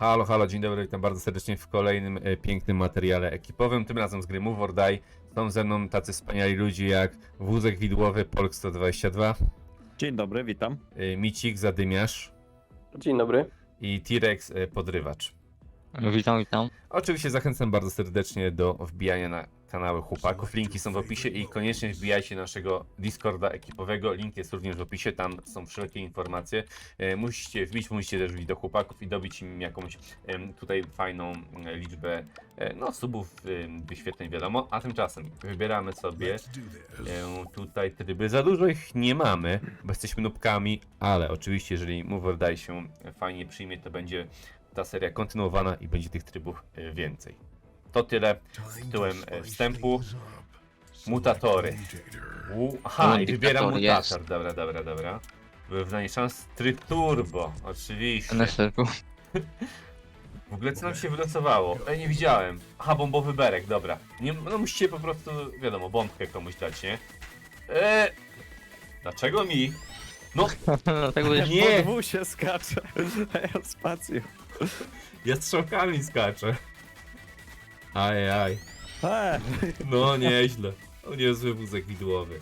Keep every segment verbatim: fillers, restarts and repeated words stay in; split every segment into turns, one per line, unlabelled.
Halo, halo, dzień dobry, witam bardzo serdecznie w kolejnym e, pięknym materiale ekipowym, tym razem z gry Move or Die. Są ze mną tacy wspaniali ludzie jak Wózek Widłowy, Polk sto dwadzieścia dwa,
Dzień dobry, witam.
e, Micik, Zadymiarz
Dzień dobry.
i T-Rex, e, Podrywacz.
Witam, witam.
Oczywiście zachęcam bardzo serdecznie do wbijania na kanały chłopaków, linki są w opisie i koniecznie wbijajcie naszego Discorda ekipowego, link jest również w opisie, tam są wszelkie informacje. E, musicie wbić, musicie też wbić do chłopaków i dobić im jakąś em, tutaj fajną e, liczbę e, no, subów, e, wyświetleń wiadomo, a tymczasem wybieramy sobie e, tutaj tryby. Za dużo ich nie mamy, bo jesteśmy nubkami, ale oczywiście jeżeli Move or Die się fajnie przyjmie, to będzie ta seria kontynuowana i będzie tych trybów e, więcej. To tyle tytułem e, wstępu. Mutatory. U, aha, i wybieram
Mutatory,
mutator.
jest.
Dobra, dobra, dobra. Wyrównanie szans tryb turbo, oczywiście.
N S R P.
W ogóle co nam się wylosowało? Ej, nie widziałem. Aha, bombowy berek, dobra. Nie, no musicie po prostu, wiadomo, bombkę komuś dać, nie? Eee, dlaczego mi? No,
Dlatego jest...
Nie.
Po dwóch się skacze, a ja spację.
ja strzałkami skaczę. Aj, aj.
E,
No, nieźle. O, niezły wózek widłowy.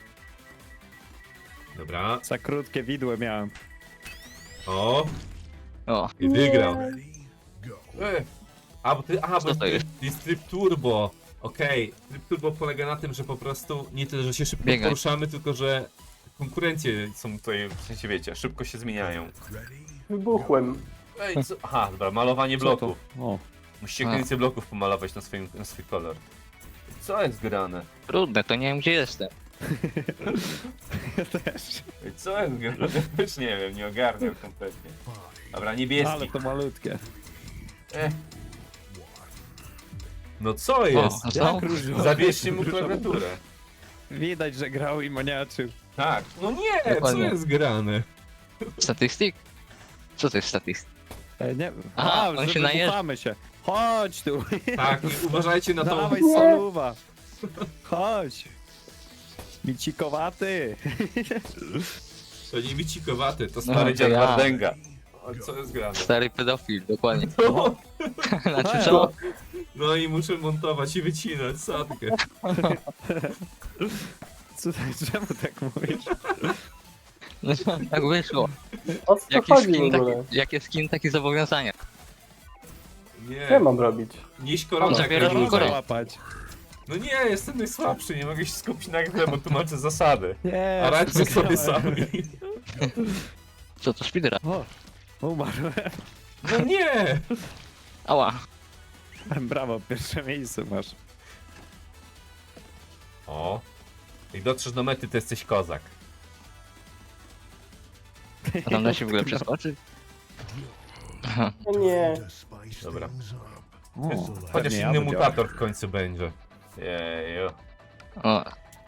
Dobra.
za krótkie widły miałem.
O,
O,
i wygrał. E, a, bo ty, aha,
Co
bo
to
ty,
jest?
jest tryb turbo. Okej, tryb turbo polega na tym, że po prostu nie tyle, że się szybko
Biegaj.
poruszamy, tylko że konkurencje są tutaj, w sensie wiecie, szybko się zmieniają.
Wybuchłem.
Ej, co? Aha, dobra, malowanie
Co to?
bloków.
O,
Musicie
A.
więcej bloków pomalować na, swoim, na swój kolor. Co jest grane?
trudne, to nie wiem gdzie jestem.
ja też.
Ej, co jest grane? Też nie wiem, nie ogarniam kompletnie. Dobra, niebieski.
Ale to malutkie.
E. No co jest?
O, co?
Jak różowe.
Zabierzcie mu klawiaturę.
Widać, że grał i maniaczył.
Tak. No nie, co
Dokładnie.
jest grane?
Statystyk? Co to jest statystyk?
E, nie wiem.
Aha,
A,
on
że
się najeżdża.
wybuchamy się. Chodź tu.
Tak, i uważajcie na to.
Dawaj soluwa. Chodź. Micikowaty.
To nie bicikowaty, to
No,
stary
to
dziad
ja.
Wardęga. O, co jest grane?
Stary pedofil, dokładnie.
No,
Znaczy co?
no i muszę montować i wycinać sadkę.
Co, czemu tak mówisz?
No, tak wyszło.
O co
Jaki
chodzi w
skin,
ogóle?
taki, jakie skin, takie zobowiązania.
Nie,
Co ja mam robić?
nieś
On
koronę jak
zabiera
najdłużej.
koronę.
Łapać.
No nie, jestem najsłabszy, nie mogę się skupić na grze, bo tłumaczę zasady.
Nie,
A radźcie sobie
wygrałem.
sami.
Co to speedrun?
O, umarłem.
No nie!
Ała.
Brawo, pierwsze miejsce masz.
O. Jak dotrzesz do mety, to jesteś kozak.
A tam da się w ogóle przeskoczyć?
No nie.
Dobra.
O,
Chociaż
pewnie ja
inny
bym
mutator w końcu będzie. Jeju.
O,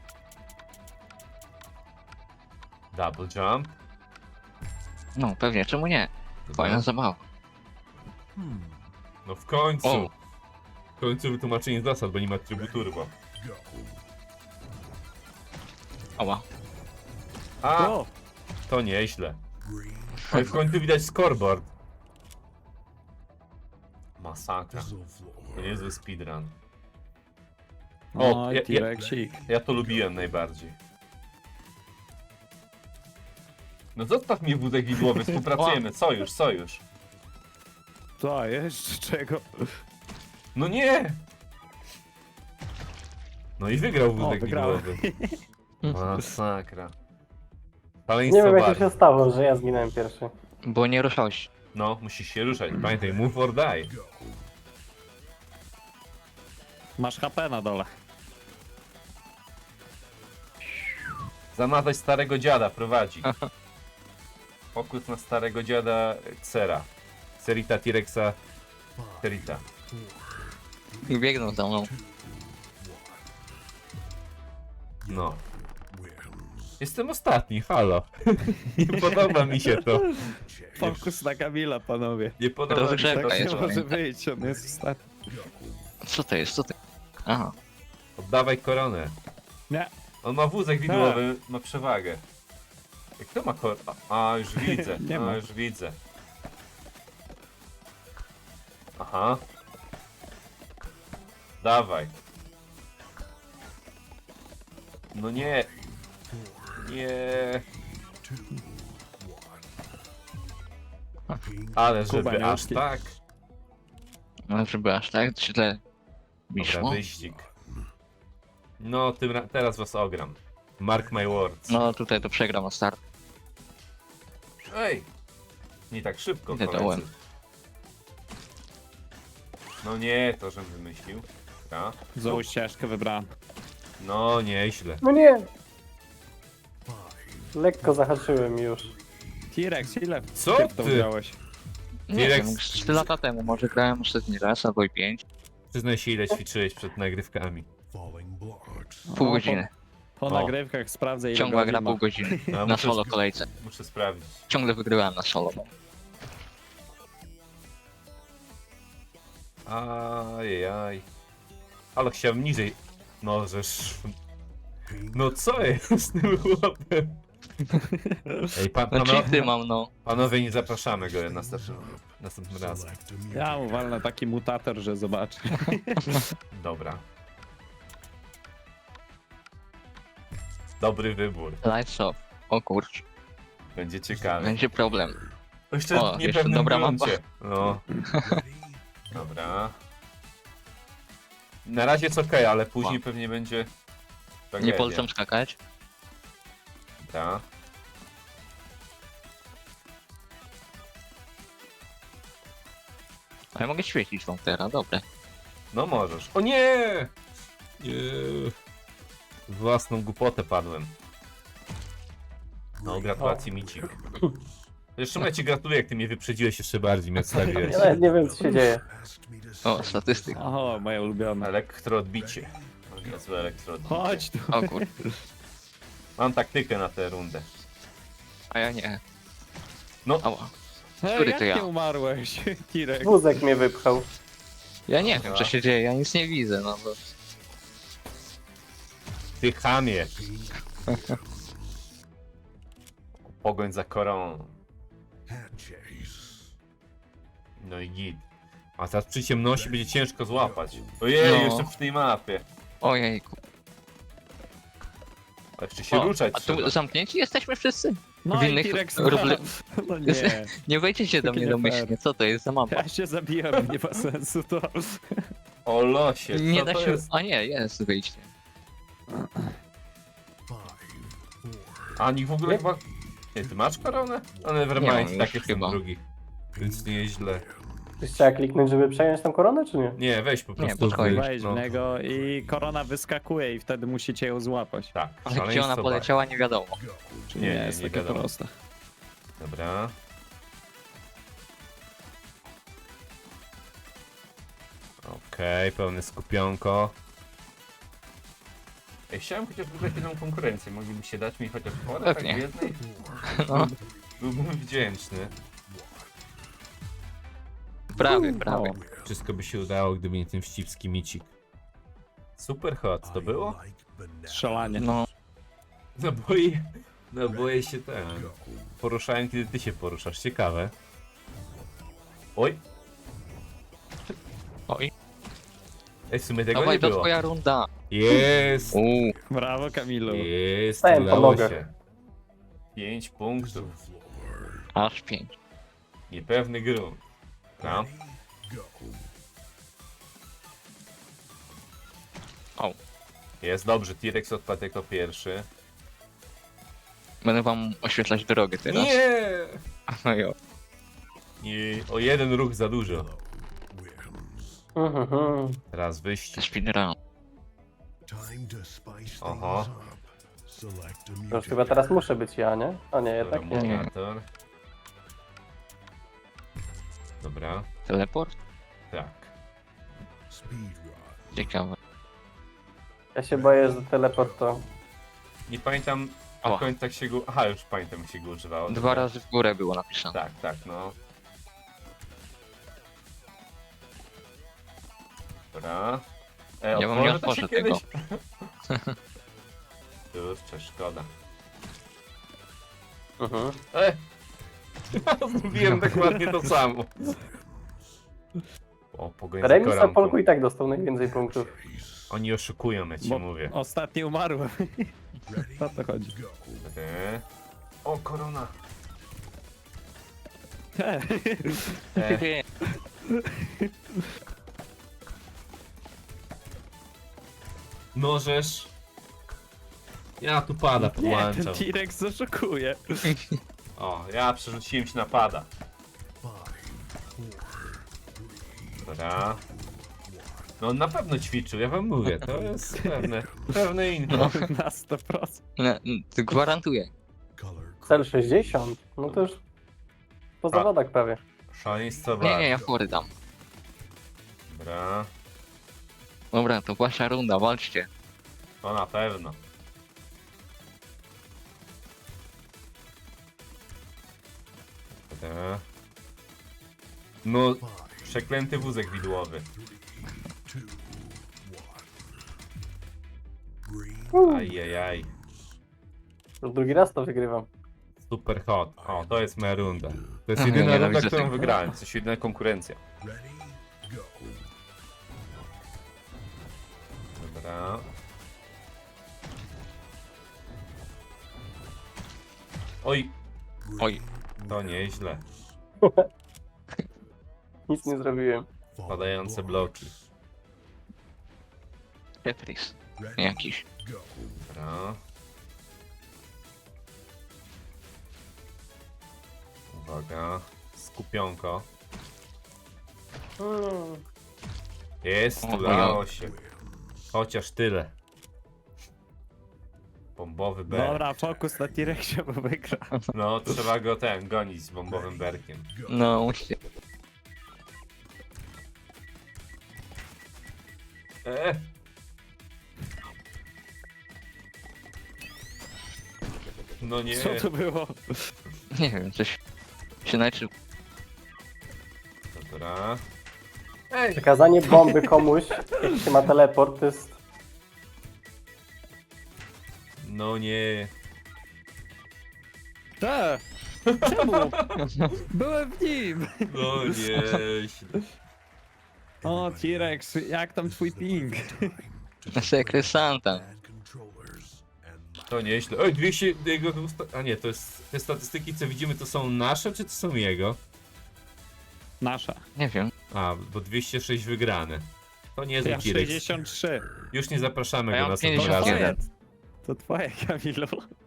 Double jump.
no pewnie, czemu nie? Fajna
Dobra.
zabawa.
No w końcu.
O.
W końcu wytłumaczenie zasad, bo nie ma trybu turbo.
Ała.
A,
O,
to nieźle. No i w końcu widać scoreboard. Masakra. To niezły speedrun. O,
o
ja- ja-
T-Rexik.
Ja to lubiłem najbardziej. No zostaw mnie wózek widłowy, współpracujemy. Sojusz, sojusz.
Co, jeszcze czego?
No nie! No i wygrał wózek
wygrałem.
widłowy. Masakra.
Nie
Szaleństwo
wiem jak to
bardzo.
się stało, że ja zginąłem pierwszy.
Bo nie ruszałeś.
No, musisz się ruszać. Pamiętaj, move or die.
Masz H P na dole.
Zamazać starego dziada, prowadzi. Pokus na starego dziada Xera. Xerita T-Rexa. Xerita.
Biegną za mną.
No. Jestem ostatni, halo. Nie podoba mi się to.
Fokus na Kamila, panowie.
Nie podoba mi się
Rozgrzewka
to.
Tak nie
jest,
może
pamiętaj.
wyjść, on jest ostatni.
Co to jest? Co to? Aha.
Oddawaj koronę.
Nie.
On ma wózek widłowy, ma przewagę. Jak to ma kor... A, a już widzę,
Nie
a
ma.
już widzę. Aha. Dawaj. No nie. Nie. Ale żeby
Kuba, nie
aż
uczci.
tak.
No, żeby aż tak źle mi
Dobra,
szło.
wyścig. No, tym ra- teraz was ogram. Mark my words.
No tutaj to przegram na start.
Ej! Nie tak szybko,
Idę
koledzy.
dołem.
No nie, to żem wymyślił. Dobra.
Złą ścieżkę wybrałem.
No, nieźle.
No nie! Lekko zahaczyłem już.
T-Rex, ile
Co
ty w to
ty?
wziąłeś?
Nie
T-Rex-
wiem, trzy lata temu może grałem ostatni raz, albo i pięć.
Przyznaj się, ile ćwiczyłeś przed nagrywkami.
Pół
O,
godziny.
Po
O.
nagrywkach sprawdzę ile
Ciągła
godzin
gra
ma.
pół godziny.
No,
Na
muszę
solo
sp-
kolejce.
Muszę sprawdzić.
Ciągle wygrywałem na solo.
Ajajaj. Ale chciałem niżej. No, żeż... No co jest z tym chłopem? Ej, pan,
No
pano...
cheaty mam, no.
panowie, nie zapraszamy go następnym, następnym razem.
Ja mu walnę taki mutator, że zobaczy.
Dobra. Dobry wybór.
Lights off. O kurcz.
Będzie ciekawe.
Będzie problem.
Jeszcze
O,
w
jeszcze
niepewnym
dobra
gruncie. No. Dobra. Na razie jest okej, ale później
O.
pewnie będzie...
Nie
tragedia.
polecam skakać.
Dobra.
A ja mogę świecić wam teraz, dobre.
No możesz. O nie! Nie. W własną głupotę padłem. No, gratulacje Micik. Zresztą ja ci gratuluję, jak ty mnie wyprzedziłeś jeszcze bardziej, mnie odstawiłeś.
Ja nawet nie wiem co się dzieje.
O, statystyka.
O, moje ulubione.
Elektroodbicie. O, niezłe elektroodbicie.
Chodź tu.
O kur...
Mam taktykę na tę rundę.
A ja nie.
No.
Ała.
Hej,
Który
jak
to ja?
nie umarłeś? T-Rex.
Wózek mnie wypchał.
Ja nie wiem, co się dzieje, ja nic nie widzę, no bo...
Ty chamie. Pogoń za koroną. No i git. A teraz przy ciemności będzie ciężko złapać. Ojej,
No.
jeszcze w tej mapie.
Ojejku.
A jeszcze się
O,
ruszać
a
trzeba.
tu zamknięci jesteśmy wszyscy?
No
w
i
innych
T-Rex
ruble-
No nie.
Nie wejdziecie do
Takie
mnie
nie fair.
domyślnie, co to jest za mapa?
Ja się zabiłem, nie ma sensu to.
O losie, co
Nie da
to
się...
jest?
A nie, jest wyjście.
A nikt w ogóle
Nie?
chyba... Nie, ty masz koronę? A
Nie
nevermind,
mam
tak
już
jest
chyba.
drugi. Więc nie jest źle.
Ktoś trzeba kliknąć, żeby przejąć tą koronę, czy nie?
Nie, weź po
Nie,
prostu
podchodź.
wyjdź,
Wejdź
no.
w niego i korona wyskakuje i wtedy musicie ją złapać.
Tak,
Ale gdzie ona
szaleństwo
poleciała, nie wiadomo.
Czyli
Nie,
nie,
nie,
jest
nie
takie
wiadomo.
proste.
bar- Dobra. Okej, pełne skupionko. Ej, chciałem chociaż wygrać jedną konkurencję. Mogliby się dać mi chociaż porę tak w
Pewnie.
jednej?
No,
Byłbym wdzięczny.
prawie, prawie.
Wszystko by się udało, gdyby nie ten wścibski micik. Super hot, to było?
Strzelanie.
No,
No boję, no boję się ten. Poruszałem, kiedy ty się poruszasz. Ciekawe. Oj,
oj.
ej, w sumie tego
Dawaj,
nie
to
było.
twoja runda.
Jest!
Uuu,
Brawo Kamilu.
Jest,
Stałem po
udało
nogach.
się. Pięć punktów.
aż pięć.
Niepewny grunt. No.
O,
Jest dobrze, T-Rex odpadł jako pierwszy.
będę wam oświetlać drogę teraz.
Nie!
No jo.
I o jeden ruch za dużo.
Mhm, mhm.
Teraz wyścig.
Speedrun.
Oho.
To już chyba teraz muszę być ja, nie? A nie, jednak nie.
nie.
Mutator. Dobra,
Teleport?
tak.
Ciekawe.
Ja się boję, że teleport to...
Nie pamiętam
O.
do końca jak się go... Aha, już pamiętam jak się go używało.
Dwa
Dobra.
razy w górę było napisane.
Tak, tak, no. Dobra. E,
Ja wam nie
otworzy to się
otworzę
kiedyś? Kurczę, szkoda.
Mhm.
E! Zrobiłem dokładnie to samo. O, pogoń za
Remis na
koronką.
Polku i tak dostał najwięcej punktów.
Oni oszukują, ja ci
Bo
mówię.
ostatnio umarłem. O to chodzi.
E. O, korona.
He.
E. Możesz. Ja tu pada
Nie, ten
podłączam.
T-Rex zaszokuje.
O, ja przerzuciłem się na pada. Dobra. No on na pewno ćwiczył, ja wam mówię, to jest pewne, pewne info.
Na sto procent.
No, to gwarantuję.
Cel sześćdziesiąt? No to już po
A.
zawodach prawie.
Szaleństwo
Nie, nie, ja fory dam.
Dobra,
Dobra, to wasza runda, walczcie.
to na pewno. Dobra. No, przeklęty wózek widłowy. Ajajaj.
Już drugi raz to wygrywam.
Super hot. O, to jest moja runda. To jest
Ach,
jedyna
ja
runda,
nienawidzę
którą
tego.
wygrałem. To jest jedyna konkurencja. Dobra. Oj,
Oj,
to nieźle.
Nic nie zrobiłem.
Padające bloki.
Tetris. Jakiś.
Dobra. Uwaga. Skupionko.
Hmm.
Jest,
O,
udało się. Chociaż tyle. Bombowy berk.
Dobra, fokus na T-Rexie, bo wygra.
No, trzeba go ten, gonić z bombowym berkiem.
No, musicie.
E. No nie.
Co to było?
Nie wiem, coś się najczy...
Dobra. Ej!
Przekazanie bomby komuś, jak się ma teleport, to jest...
No nie.
Te! Czemu? Byłem w nim!
No nie.
O, T-Rex, jak tam twój ping?
Sekret Santa.
To nieźle. Oj, dwieście jego... usta- A nie, to jest... Te statystyki, co widzimy, to są nasze, czy to są jego?
Nasza.
Nie wiem.
A, bo dwieście sześć wygrane. To nie jest
Ja
T-Rex.
sześćdziesiąt trzy.
Już nie zapraszamy
A ja
go
mam
następnym
pięćdziesiąt
razem.
jeden.
To twoje, Kamilu.